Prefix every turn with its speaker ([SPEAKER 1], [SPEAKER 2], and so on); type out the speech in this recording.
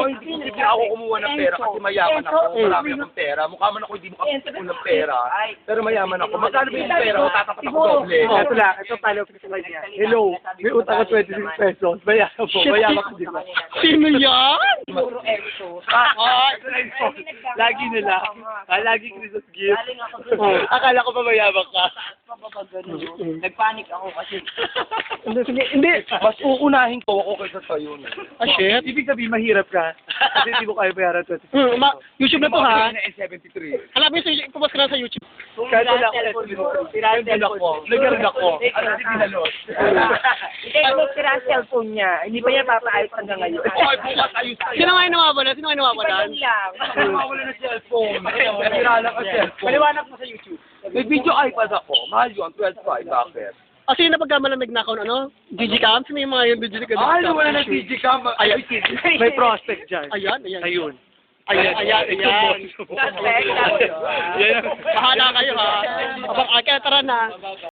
[SPEAKER 1] hindi ako kumuha ng pera kasi mayaman ako. Marami akong pera. Mukha man ako hindi makapagpupo ng pera. Pero mayaman ako. Magkano ba yung pera ko? Tatapat ako doble.
[SPEAKER 2] Ito lang, ito pala ko sa kanya. Hello, may utang ka 26 pesos. Mayaman po, mayaman ka di ba?
[SPEAKER 3] Sino yan?
[SPEAKER 4] Puro exo.
[SPEAKER 2] Ito na yun. Lagi nila. Lagi Christmas gift. Akala ko ba mayaman ka?
[SPEAKER 4] Nagpanik ako kasi.
[SPEAKER 2] Hindi.
[SPEAKER 1] Mas uunahin ko ako kaysa sa'yo.
[SPEAKER 3] Ah, shit.
[SPEAKER 2] Ibig sabihin mahirap ka. Kasi hindi mo kaya bayaran 26 pesos.
[SPEAKER 3] YouTube na to ha.
[SPEAKER 1] na S73.
[SPEAKER 3] Alam mo yung pumas ka na sa YouTube.
[SPEAKER 2] Kahit wala ako
[SPEAKER 1] Nag-gag ako. Nag-gag ako. Ano si Pinalos?
[SPEAKER 4] Hindi, kung sira ang cellphone niya, hindi pa niya papaayos hanggang ngayon.
[SPEAKER 1] Okay, bukas ayos tayo.
[SPEAKER 3] Sino nga yung nawawalan? Sino nga yung nawawalan?
[SPEAKER 4] Iba lang.
[SPEAKER 1] Mawala ng cellphone. Nasira lang ang cellphone.
[SPEAKER 2] Paliwanag mo sa YouTube.
[SPEAKER 1] May video iPad ako. Mahal yun. 12.5. Bakit?
[SPEAKER 3] Ah, sino na pagkamalamig na ako, ano? Digicam? Sino yung mga yung Digicam?
[SPEAKER 1] Ay, wala na Digicam.
[SPEAKER 3] Ayan.
[SPEAKER 2] May prospect dyan.
[SPEAKER 3] Ayan, ayan.
[SPEAKER 2] Ayun.
[SPEAKER 3] Ayan, ayan, ayan.
[SPEAKER 4] Suspect.
[SPEAKER 3] Bahala kayo ha. Abang, tara na.